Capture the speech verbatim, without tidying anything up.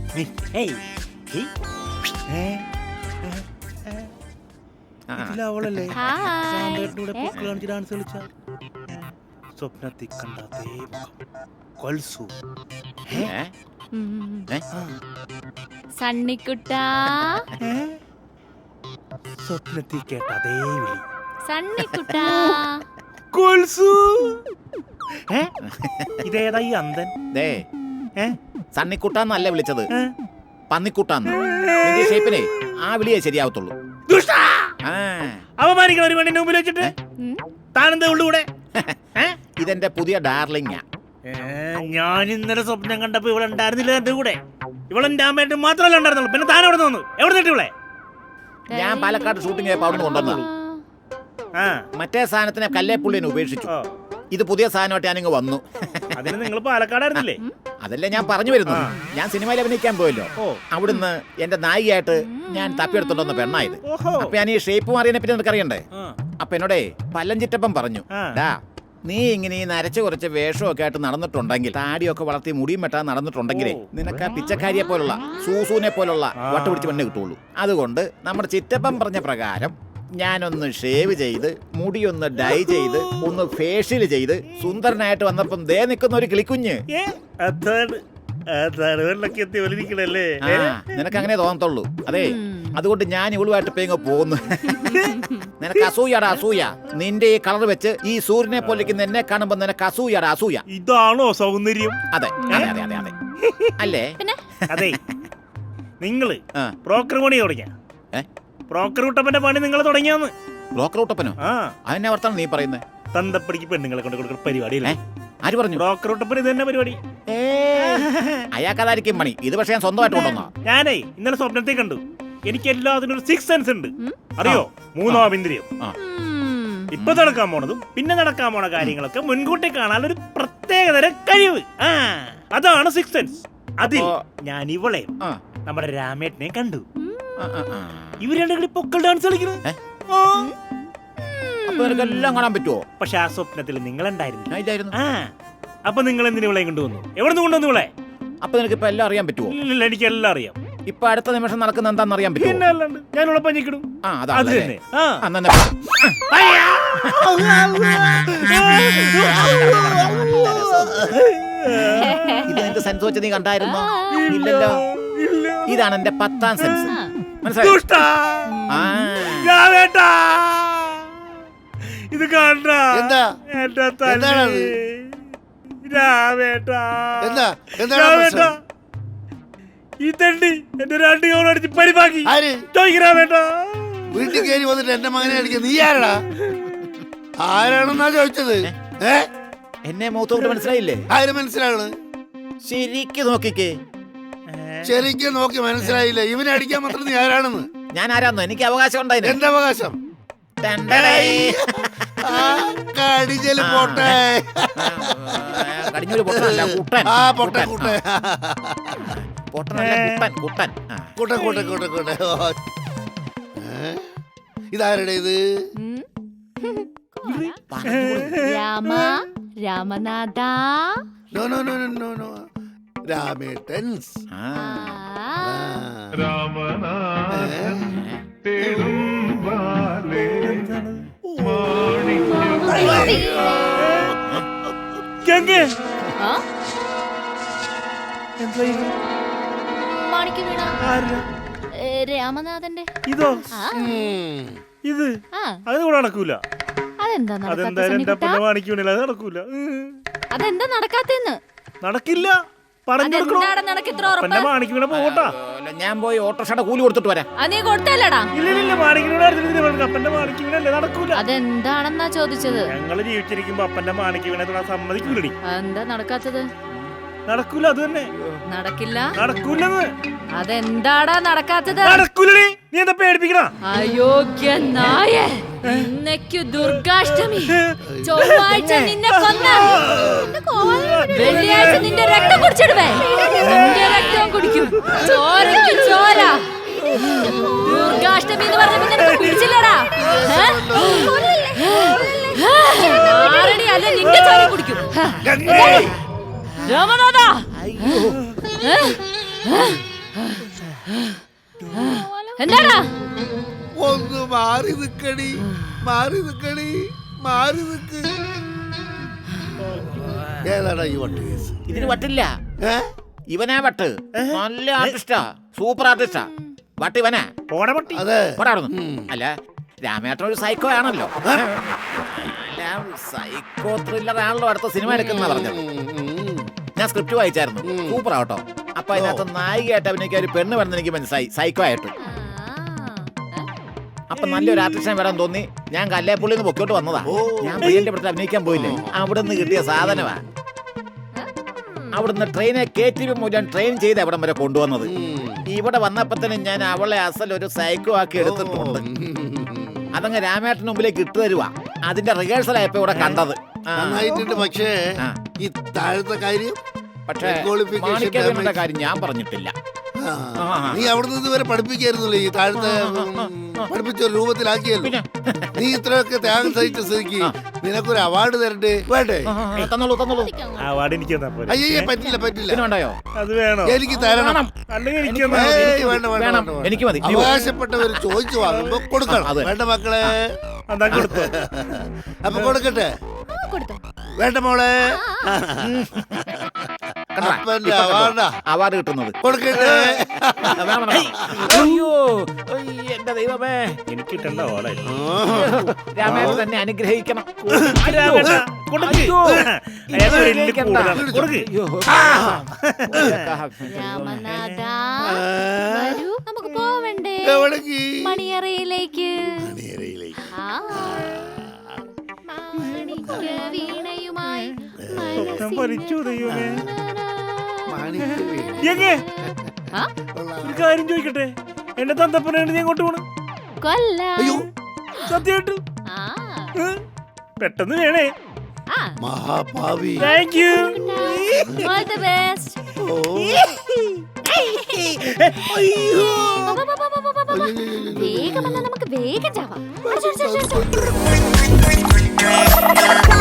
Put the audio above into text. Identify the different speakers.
Speaker 1: അവളല്ലേ dance കളിച്ച സ്വപ്നത്തിൽ കണ്ട കൊൽസു
Speaker 2: സണ്ണിക്കുട്ടാ
Speaker 1: സ്വപ്നത്തിൽ കേട്ട അതേ വിളി
Speaker 2: സണ്ണിക്കുട്ടാ
Speaker 1: കൊൽസു. ഇതേതാ ഈ അന്തൻ?
Speaker 3: സണ്ണിക്കുട്ടാന്നല്ല വിളിച്ചത്, പന്നിക്കുട്ടാന്ന്. നിന്റെ ഷേപ്പിനെ ആ വിളിയേ ശരിയാവത്തുള്ളൂ.
Speaker 1: അവമാനിക്കണം ഒരു പെണ്ണിന്റെ മുമ്പിൽ വെച്ചിട്ട്. താനെന്താ ഉള്ളൂടെ?
Speaker 3: ഇതെന്റെ പുതിയ ഡാർലിംഗാ.
Speaker 1: ഞാൻ ഇന്നലെ സ്വപ്നം കണ്ടപ്പോ ഇവിടെ ഉണ്ടായിരുന്നില്ല എന്റെ കൂടെ. ഇവളെന്റെ അമ്മയായിട്ട് മാത്രമല്ല ഉണ്ടായിരുന്നുള്ളൂ. പിന്നെ താൻ എവിടെ നിന്ന് എവിടെ നിന്നിട്ട് ഇവളെ?
Speaker 3: ഞാൻ പാലക്കാട് ഷൂട്ടിംഗ് ആയപ്പോ അവിടെ കൊണ്ടുവന്നു. മറ്റേ സാധനത്തിനെ കല്ലേപ്പുള്ളിനെ ഉപേക്ഷിച്ചു. ഇത് പുതിയ സാധനമായിട്ട് ഞാനിങ്ങ് വന്നു.
Speaker 1: അതിന് നിങ്ങൾ പാലക്കാടായിരുന്നില്ലേ?
Speaker 3: അതല്ലേ ഞാൻ പറഞ്ഞു വരുന്നു. ഞാൻ സിനിമയിൽ അഭിനയിക്കാൻ പോയല്ലോ. അവിടുന്ന് എന്റെ നായികയായിട്ട് ഞാൻ തപ്പിയെടുത്തോണ്ടെന്ന പെണ്ണായത്. അപ്പൊ ഞാൻ ഈ ഷേപ്പ് മാറിയതിനെ പറ്റി നിനക്ക് അറിയണ്ടേ? അപ്പൊ എന്നോടേ പല്ലഞ്ചിറ്റപ്പം പറഞ്ഞു, ഡാ നീ ഇങ്ങനെ ഈ നരച്ചു കുറച്ച് വേഷമൊക്കെ ആയിട്ട് നടന്നിട്ടുണ്ടെങ്കിൽ, താടിയൊക്കെ വളർത്തി മുടിയും വെട്ടാൻ നടന്നിട്ടുണ്ടെങ്കിലേ നിനക്ക് ആ പിച്ചക്കാരിയെ പോലുള്ള സൂസൂനെ പോലുള്ള വട്ടുപിടിച്ച് പെണ്ണെ കിട്ടുള്ളൂ. അതുകൊണ്ട് നമ്മുടെ ചിറ്റപ്പം പറഞ്ഞ പ്രകാരം ഞാനൊന്ന് ഷേവ് ചെയ്ത് മുടിയൊന്ന് ഡൈ ചെയ്ത് ഒന്ന് ഫേഷ്യൽ ചെയ്ത് സുന്ദരനായിട്ട് വന്നപ്പം ദേ നിൽക്കുന്ന ഒരു കിളിക്കുഞ്ഞ്. നിനക്ക് അങ്ങനെ തോന്നത്തുള്ളൂ. അതെ, അതുകൊണ്ട് ഞാൻ ഇവളുമായിട്ട് ഇപ്പൊ ഇങ്ങ് പോകുന്നു. നിനക്ക് അസൂയാടാ അസൂയ. നിന്റെ ഈ കളർ വെച്ച് ഈ സൂര്യനെ പോലിരിക്കുന്ന എന്നെ കാണുമ്പോ നിനക്ക് അസൂയാടാ അസൂയ.
Speaker 1: ഇതാണോ സൗന്ദര്യം?
Speaker 3: അതെ അതെ അതെ അതെ അതെ അല്ലേ?
Speaker 1: അതെ, നിങ്ങള് ബ്രോക്കർ പണി തുടങ്ങിയ ബ്രോക്കർ കുട്ടപ്പന്റെ പണി നിങ്ങൾ തുടങ്ങിയാന്ന്.
Speaker 3: ബ്രോക്കർ കുട്ടപ്പനോ? അതിനെ വർത്താണ് നീ പറയുന്നത്?
Speaker 1: തന്തപ്പടിക്ക് പെണ്ണുങ്ങളെ കൊണ്ട് കൊടുക്കുന്ന പരിപാടിയില്ലേ?
Speaker 3: ആര് പറഞ്ഞു?
Speaker 1: ബ്രോക്കർ കുട്ടപ്പൻ ഇത് തന്നെ പരിപാടി.
Speaker 3: അയാൾക്കതായിരിക്കും പണി. ഇത് പക്ഷേ ഞാൻ സ്വന്തമായിട്ട് കൊണ്ടുവന്നാ.
Speaker 1: ഞാനേ ഇന്നലെ സ്വപ്നത്തിൽ കണ്ടു. എനിക്ക് എല്ലാത്തിനും ഒരു സിക്സ് സെൻസ് ഉണ്ട്. അറിയോ? മൂന്നാം ഇന്ദ്രിയം. ഇപ്പൊ നടക്കാൻ പോണതും പിന്നെ നടക്കാൻ പോണ കാര്യങ്ങളൊക്കെ മുൻകൂട്ടി കാണാൻ ഒരു പ്രത്യേകതരം കഴിവ്. ആ അതാണ് സിക്സ് സെൻസ്. അതിൽ ഞാൻ ഇവളെ നമ്മുടെ രാമേട്ടനെ കണ്ടു. ഇവര് രണ്ടും കൂടി പൊക്കൽ ഡാൻസ് കളിക്കുന്നത്.
Speaker 3: എല്ലാം കാണാൻ പറ്റുമോ?
Speaker 1: പക്ഷെ ആ സ്വപ്നത്തിൽ നിങ്ങൾ ഉണ്ടായിരുന്നു. ആ അപ്പൊ നിങ്ങൾ എന്തിനു ഇവളെ കൊണ്ടുവന്നു? എവിടെ നിന്ന് കൊണ്ടുവന്നു ഇവളെ?
Speaker 3: അപ്പൊ നിനക്ക് ഇപ്പൊ എല്ലാം അറിയാൻ പറ്റുമോ?
Speaker 1: ഇല്ല, എനിക്ക് എല്ലാം അറിയാം.
Speaker 3: ഇപ്പൊ അടുത്ത നിമിഷം നടക്കുന്ന എന്താണെന്ന് അറിയാൻ പറ്റുമോ?
Speaker 1: ഞാൻ ഉള്ള പഞ്ഞിക്കിടും. അത് തന്നെ.
Speaker 3: ഇത് എന്റെ സെൻസ് വെച്ച് നീ കണ്ടായിരുന്നോ? ഇല്ലല്ലോ. ഇതാണ് എന്റെ പത്താം സെൻസ്. മനസ്സിലായോ?
Speaker 1: ഇത് കണ്ട ഈ തണ്ടി എന്റെ രണ്ട് കോളടിച്ച് പരിപാടി
Speaker 4: വീട്ടിൽ കയറി വന്നിട്ട് എന്റെ മകനെ അടിക്കുക. നീ ആരടാ? ആരാണെന്നാ ചോദിച്ചത്?
Speaker 3: എന്നെ മുഖത്തോട്ട് മനസ്സിലായില്ലേ?
Speaker 4: ആര് മനസ്സിലാണ്?
Speaker 3: ശരിക്ക് നോക്കിക്കേ.
Speaker 4: ശരിക്കും നോക്കി മനസ്സിലായില്ല. ഇവനെ അടിക്കാൻ മാത്രം നീ ആരാണെന്ന്?
Speaker 3: ഞാൻ ആരാന്നോ? എനിക്ക് അവകാശം ഉണ്ടായിരുന്നു.
Speaker 4: എന്ത് അവകാശം? കടിഞ്ഞല് പോട്ടെ.
Speaker 3: കടിഞ്ഞൂല് പൊട്ടനല്ല, കുട്ടൻ.
Speaker 4: ആ പൊട്ടെ കുട്ടെ
Speaker 3: പൊട്ടനല്ല, കുട്ടൻ കുട്ടൻ
Speaker 4: കൂട്ടെ കൂട്ടെ കൂട്ടെ കൂട്ടെ. ഇതാരുടെ ഇത്?
Speaker 2: Rama Ramanatha.
Speaker 4: No no no no no രാമേട്ടൻസ്.
Speaker 5: രാമനാഥൻ തേടും ബാലേ
Speaker 2: മാണിക്ക് വീണ രാമനാഥന്റെ
Speaker 1: ഇതോ? ഇത് അതുകൂടെ നടക്കൂല.
Speaker 2: അതെന്താ
Speaker 1: നടക്കൂല?
Speaker 2: അതെന്താ നടക്കാത്തെന്ന്?
Speaker 1: നടക്കില്ല.
Speaker 3: ഞാൻ പോയി ഓട്ടോറിക്ഷയുടെ കൂലി കൊടുത്തിട്ട് വരാം.
Speaker 2: അതെന്താണെന്നാ ചോദിച്ചത്.
Speaker 1: ഞങ്ങള് ജീവിച്ചിരിക്കുമ്പോ അപ്പന്റെ മാണിക്ക് വീണ സമ്മതിക്കൂലടി.
Speaker 2: എന്താ നടക്കാത്തത്?
Speaker 1: നടക്കൂല. അത് തന്നെ
Speaker 2: നടക്കില്ല.
Speaker 1: നടക്കൂലെന്ന്.
Speaker 2: അതെന്താടാ നടക്കാത്തത്?
Speaker 1: നടക്കൂലടി. നീ എന്താ പേടിപ്പിക്കണ?
Speaker 2: അയോഗ്യ നായ. ഇന്നേക്കു ദുർഗാഷ്ടമി. ചൊവ്വാഴ്ച നിന്നെ കൊന്ന. വെള്ളിയാഴ്ച നിന്റെ രക്തം കുടിച്ചിടുവേ. നിന്റെ രക്തം കുടിക്കും. ചോരയ്ക്ക് ചോര. ദുർഗാഷ്ടമി എന്ന് പറഞ്ഞപ്പോ നിനക്ക് പിടിച്ചില്ലടാ. ആരടി അല്ല നിന്റെ ചോര കുടിക്കും. രാമനാഥ. എന്താടാ
Speaker 4: ഒന്ന് മാറി നിക്കടി, മാറി നിക്കടി, മാറി നിക്ക്. ഏതാടാ ഈ വണ്ടി കേസ്?
Speaker 3: ഇതിന് വട്ടില്ല.
Speaker 4: ഏ?
Speaker 3: ഇവനാ വട്ട്. നല്ല ആർട്ടിസ്റ്റാ, സൂപ്പർ ആർട്ടിസ്റ്റാ. വട്ട് ഇവനാ.
Speaker 1: പോടെ പട്ടി.
Speaker 4: അതെ.
Speaker 3: പോടാവുന്നു. അല്ല, രാമേട്ടൻ ഒരു സൈക്കോ ആണല്ലോ. സൈക്കോ ത്രില്ലർ ആണല്ലോ അടുത്ത സിനിമ എടുക്കുന്ന പറഞ്ഞത്. ഞാൻ സ്ക്രിപ്റ്റ് വായിച്ചായിരുന്നു. സൂപ്പർ ആവട്ടോ. അപ്പൊ അതിനകത്ത് നായികയായിട്ട് അഭിനയിക്കാൻ ഒരു പെണ്ണ് വേണമെന്ന് എനിക്ക് മനസ്സിലായി, സൈക്കോ ആയിട്ട്. അപ്പൊ നല്ലൊരു ആർട്ടിസ്റ്റിനെ വരാൻ തോന്നി. ഞാൻ കല്ലേപ്പുള്ളിൽ നിന്ന് പൊക്കോട്ട് വന്നതാ. ഞാൻ പ്രിയന്റെ അടുത്ത് അഭിനയിക്കാൻ പോയില്ലേ, അവിടെ നിന്ന് കിട്ടിയ സാധനമാ. അവിടുന്ന് ട്രെയിനെ കയറ്റി മുഴുവൻ ട്രെയിൻ ചെയ്ത് അവിടം വരെ കൊണ്ടുവന്നത്. ഇവിടെ വന്നപ്പോ തന്നെ ഞാൻ അവളെ അസൽ ഒരു സൈക്കോ ആക്കി എടുത്തിട്ടുണ്ട്. അതങ്ങ് രാമേട്ടന് മുമ്പിലേക്ക് ഇട്ടു തരുവാ. അതിന്റെ റിഹേഴ്സൽ ആയപ്പോ ഇവിടെ കണ്ടത്.
Speaker 4: നന്നായിട്ടുണ്ട്. പക്ഷേ ഈ താഴത്തെ കാര്യം,
Speaker 3: പക്ഷേ
Speaker 4: qualification
Speaker 3: മാണിക്യവീണന്റെ കാര്യം ഞാൻ പറഞ്ഞിട്ടില്ല.
Speaker 4: ആ, നീ അവിടുന്ന് ഇതുവരെ പഠിപ്പിക്കായിരുന്നല്ലോ. ഈ താഴത്തെ പഠിപ്പിച്ച ഒരു രൂപത്തിലാക്കിയല്ലോ. നീ ഇത്രയൊക്കെ ത്യാഗം സഹിച്ച സ്ഥിതിക്ക് നിനക്കൊരു അവാർഡ് തരണ്ടേ? വേണ്ടേ?
Speaker 3: തന്നോളൂ തന്നോളൂ.
Speaker 1: അവാർഡ് എനിക്ക് തന്നാ പോരെ.
Speaker 4: അയ്യേ, പറ്റില്ല പറ്റില്ല.
Speaker 3: ഇതിനുണ്ടായോ?
Speaker 1: അത് വേണോ?
Speaker 4: എനിക്ക് തരണം.
Speaker 1: അല്ലെങ്കിൽ എനിക്ക് തന്നാ
Speaker 4: ഏയ്,
Speaker 1: മതി.
Speaker 4: വേണ്ട വേണ്ട
Speaker 3: വേണം.
Speaker 4: വേണ്ട, വേണ്ട.
Speaker 3: എനിക്ക് മതി. നീ പോ.
Speaker 4: അവകാശപ്പെട്ടവർ ചോദിച്ചു വാങ്ങുമ്പോ കൊടുക്കണം.
Speaker 3: അതെ.
Speaker 4: വേണ്ട മക്കളെ.
Speaker 1: എന്നാ കൊടുത്തോ.
Speaker 4: അപ്പൊ കൊടുക്കട്ടെ.
Speaker 2: കൊടുത്തോ
Speaker 4: വേണ്ട മോളെ.
Speaker 3: കണ്ടോ?
Speaker 4: അപ്പന്റെ
Speaker 3: ഇപ്പൊ കണ്ടോ?
Speaker 4: അവാർഡാ
Speaker 3: അവാർഡ് കിട്ടുന്നത്.
Speaker 4: കൊടുക്കട്ടെ.
Speaker 3: വേണം, വേണം. അയ്യോ, അയ്യ, എന്റെ ദൈവമേ.
Speaker 1: എനിക്ക് കിട്ടണ്ട ഓളെ.
Speaker 3: രാമേട്ടൻ തന്നെ അനുഗ്രഹിക്കണം.
Speaker 1: രാമേട്ടാ, കൊടുക്ക്.
Speaker 3: അയ്യോ.
Speaker 1: ഏതോ ഒരു എല്ല് കൂടുതലാണ്. കൊടുക്ക്.
Speaker 3: അയ്യോ.
Speaker 2: രാമനാഥാ വരൂ, നമുക്ക് പോവണ്ടേ
Speaker 4: എവിടേക്ക്?
Speaker 2: മണിയറയിലേക്ക്.
Speaker 4: മണിയറയിലേക്ക്.
Speaker 2: ആ. മാണിക്യ വീണയുമായി
Speaker 1: സ്വപ്നം ഭരിച്ചു ദൈവമേ.
Speaker 4: മാണിക്യ വീണ.
Speaker 1: എങ്ങേ
Speaker 2: ആ?
Speaker 1: ഒരു കാര്യം ചോദിക്കട്ടെ, എന്റെ തന്തപ്പനാണ് നീ അങ്ങോട്ട് പോണ്?
Speaker 2: കൊല്ലാം.
Speaker 4: അയ്യോ,
Speaker 1: സത്യമായിട്ട്
Speaker 2: ആ.
Speaker 1: പെട്ടെന്ന് വേണേ.
Speaker 2: ആ.
Speaker 4: മഹാഭാവി.
Speaker 1: Thank you.
Speaker 2: All the best.
Speaker 4: ഓ.
Speaker 2: പോ, പോ, പോ, പോ, പോ, പോ, പോ. വേഗം വന്നാ നമുക്ക് വേഗം ചാവാം. അടിച്ചോ, അടിച്ചോ, അടിച്ചോ.